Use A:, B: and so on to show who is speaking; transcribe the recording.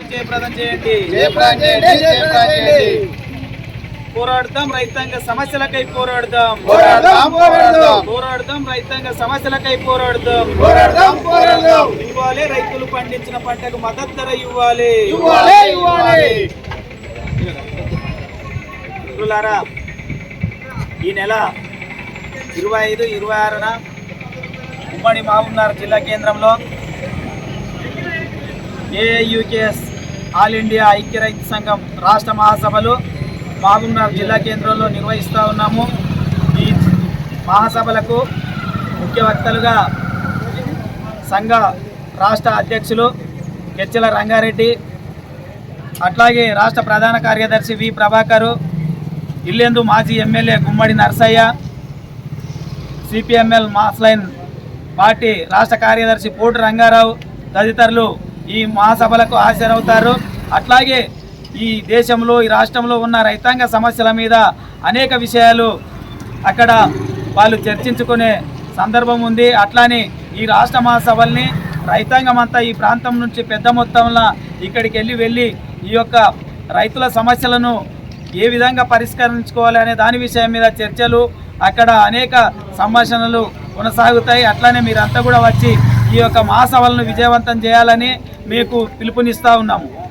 A: జయప్రదం చేయండి. పోరాడదాం రైతాంగ సమస్యలకై పోరాడదాం. పోరాడదాం రైతాంగ సమస్యలకై పోరాడదాం. ఇవ్వాలి రైతులు పండించిన పంటకు మద్దతు ధర ఇవ్వాలి. మిత్రులారా, ఈ నెల 25, 26న ఉమ్మడి మహబూబ్నగర్ జిల్లా కేంద్రంలో ఏఐయుకేఎస్ ఆల్ ఇండియా ఐక్య రైతు సంఘం రాష్ట్ర మహాసభలు మహబూబ్నగర్ జిల్లా కేంద్రంలో నిర్వహిస్తూ ఉన్నాము. ఈ మహాసభలకు ముఖ్య వక్తలుగా సంఘ రాష్ట్ర అధ్యక్షులు కెచ్చల రంగారెడ్డి, అట్లాగే రాష్ట్ర ప్రధాన కార్యదర్శి వి ప్రభాకరు, ఇల్లెందు మాజీ MLA Gummadi Narsaiah, CPML mass line party రాష్ట్ర కార్యదర్శి పోటు రంగారావు తదితరులు ఈ మహాసభలకు హాజరవుతారు. అట్లాగే ఈ దేశంలో ఈ రాష్ట్రంలో ఉన్న రైతాంగ సమస్యల మీద అనేక విషయాలు అక్కడ వాళ్ళు చర్చించుకునే సందర్భం ఉంది. అట్లానే ఈ రాష్ట్ర మహాసభల్ని రైతాంగం అంతా ఈ ప్రాంతం నుంచి పెద్ద మొత్తంలో ఇక్కడికి వెళ్ళి ఈ యొక్క రైతుల సమస్యలను ఏ విధంగా పరిష్కరించుకోవాలి అనే దాని విషయం మీద చర్చలు, అక్కడ అనేక సంభాషణలు కొనసాగుతాయి. అట్లానే మీరంతా కూడా వచ్చి ఈ యొక్క మహాసభలను విజయవంతం చేయాలని మీకు పిలుపునిస్తూ ఉన్నాము.